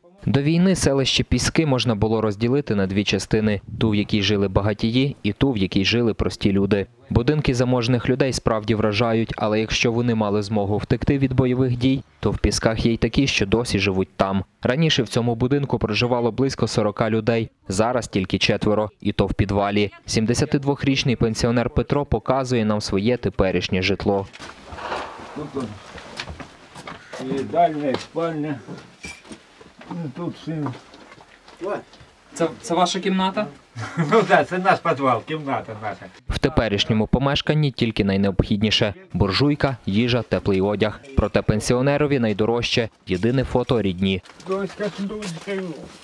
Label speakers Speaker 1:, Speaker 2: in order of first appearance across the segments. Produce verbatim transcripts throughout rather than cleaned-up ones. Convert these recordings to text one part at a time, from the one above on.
Speaker 1: До війни селище Піски можна було розділити на дві частини – ту, в якій жили багатії, і ту, в якій жили прості люди. Будинки заможних людей справді вражають, але якщо вони мали змогу втекти від бойових дій, то в Пісках є й такі, що досі живуть там. Раніше в цьому будинку проживало близько сорока людей, зараз тільки четверо, і то в підвалі. сімдесятидвохрічний пенсіонер Петро показує нам своє теперішнє житло.
Speaker 2: Тут і дальня, і спальня. Тут син.
Speaker 3: Це, це ваша кімната?
Speaker 2: Ну так, це наш підвал, кімната наша.
Speaker 1: В теперішньому помешканні тільки найнеобхідніше – буржуйка, їжа, теплий одяг. Проте пенсіонерові найдорожче – єдине фото рідні.
Speaker 2: Доська з дочкою.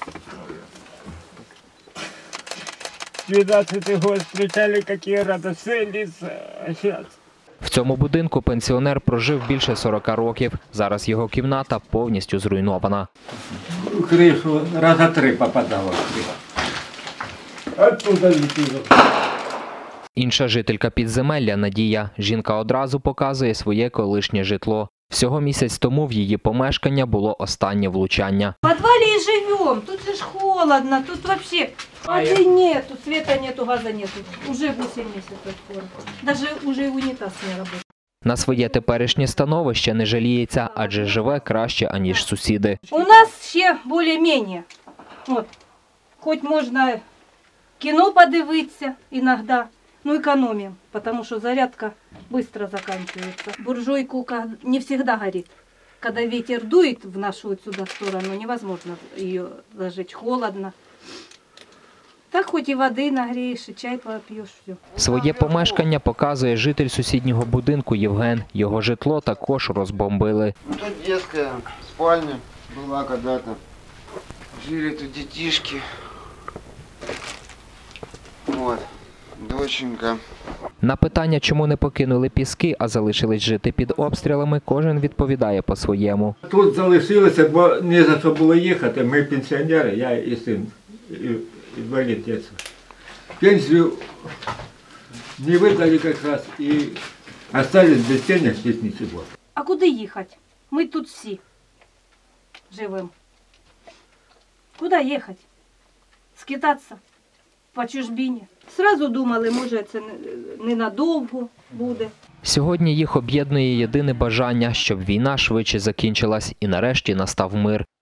Speaker 2: двенадцатый год встречали, какие радостные лица, а сейчас...
Speaker 1: В цьому будинку пенсіонер прожив більше сорока років. Зараз його кімната повністю зруйнована.
Speaker 2: У кришу раза три попадало в кришу. Оттуда летіло.
Speaker 1: Інша жителька підземелля Надія. Жінка одразу показує своє колишнє житло. Всього місяць тому в її помешкання було останнє влучання.
Speaker 4: В подвале и живем, тут же ж холодно, тут вообще воды нету, света нету, газа нету. Уже восемь месяцев скоро. Даже уже и унитаз не работает.
Speaker 1: На своє теперішнє становище не жаліється, адже живе краще, аніж сусіди.
Speaker 4: У нас ще более-менее. Вот. Хоть можна кіно подивитися іноді, ну економимо, тому що зарядка швидко закінчується. Буржуйку не завжди горить. Когда ветер дует в нашу вот сюда сторону, невозможно ее зажечь, холодно. Так хоть и воды нагреешь, и чай попьешь, все.
Speaker 1: Своє помешкання показує житель сусіднього будинку Євген. Його житло також розбомбили.
Speaker 5: Тут детская спальня была когда-то. Жили тут детишки. Вот, доченька.
Speaker 1: На питання, чому не покинули Піски, а залишились жити під обстрілами, кожен відповідає по-своєму.
Speaker 2: Тут залишилося, бо не за що було їхати. Ми пенсіонери, я і син, і інвалід дитинства. Пенсію не видали якраз і остались без денег, без нічого.
Speaker 4: А куди їхати? Ми тут всі живемо. Куди їхати? Скитатися по чужбині. Сразу думали, може це ненадовго буде.
Speaker 1: Сьогодні їх об'єднує єдине бажання, щоб війна швидше закінчилась і нарешті настав мир.